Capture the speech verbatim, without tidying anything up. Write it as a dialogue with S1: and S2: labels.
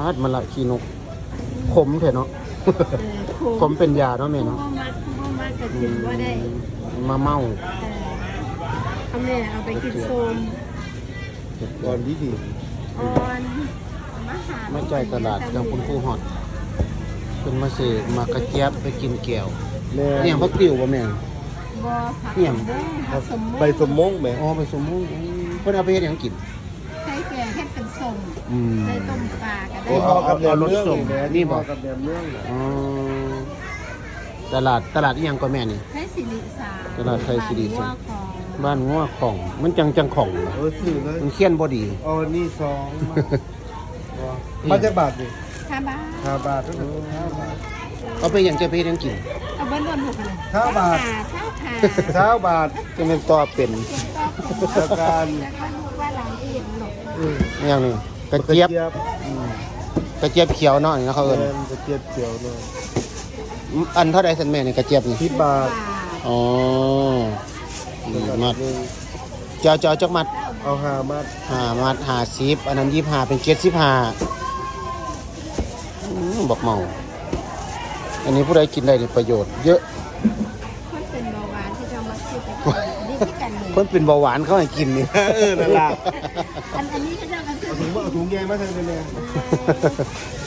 S1: ดมะละขี้นกขมเถอะเนาะ ขมเป็นยาเนาะแม่เนาะ
S2: ผู้บ่มักผู้บ่มักก็กินบ่ได้
S1: มาเมา
S2: เออเอาแม่เอาไปกินโซม
S3: ก่อนดีดี
S2: อ่อนมาหา
S1: มาใจายตลาดจังคุณครูฮอดเป็นมาเสกมากระเจี๊ยบไปกินแก้ว
S3: แม่
S1: เนี่ยพักติวบ่แม่น
S2: บ่ผัก
S1: เนี่ย
S2: สมมุติผักสมมุติ
S3: ใบสมมงแม่
S1: อ๋อไปสมมุติเพิ่นเอาไปเฮ็ดหยังกิน
S2: ใช้แกงเฮ็ดเป็นส้ม
S1: อืม
S2: ใส่ต้มปลาก็
S3: นี่
S2: ได้
S3: พอกับแหนมเรื่อง
S1: เอารสส้ม
S3: แม่
S1: นี่
S3: นี่
S1: บ่
S3: พอกับแหนมเรื่องน่ะ
S1: อ๋อตลาดตลาดอีหยังก็แม่นี่
S2: ใช้สิริสา
S1: ตลาดไทยสิริสา
S2: บ้นหัวของ
S1: บ้านงัวของมันจังจังของนะ
S3: เออซื้อเลย
S1: มันเคียนบ่ดี
S3: อ๋อนี่สองมาจากบาทนี่
S2: ห้าบาท
S3: ห้าบาทก็ถึงห้าบาท
S1: เอาไปหยังจะไปเฮ็ดหยังกิน
S2: เอาเบิ้ลรวมหกเลย
S3: ห้าบาท
S2: เท่าขา
S3: เช้าบาท
S1: จะเป็นต่อเป็น
S3: จากการ
S2: แล้วก็ลูกว่าหลังอีกหลบ
S3: อืม
S1: อหย่างนี้กระเจี๊ยบ
S3: อืม
S1: กระเจี๊ยบเขียวเนาะนี่นะเขาเอิ้น
S3: แม่นกระเจี๊ยบเขียวเลย
S1: อันเท่าใดซั่นแม่นี่กระเจี๊ยบนี่
S3: สิบบาท
S1: อ๋อนี่มัด
S3: หนึ่ง
S1: เจ้าเจ้าจักมัด
S3: เอาห้ามัด
S1: ห้ามัดห้าสิบอันนั้นยี่สิบห้าเป็นเจ็ดสิบห้าอืมบอกเมา อันนี้ผู้ใดกินได้นี่ประโยชน์เยอะ
S2: คนเป็นเบาหวานที่จะมาซื้อไปกินนี่ที่กันเลย
S1: คนเป็นเบาหวานเขาให้กินนี่
S3: เออนั่นล่ะ
S2: อันอันนี้ก็จะมาซื้อ
S3: เอาถุงมาเอาถุงใหญ่มาใส่เลยแม่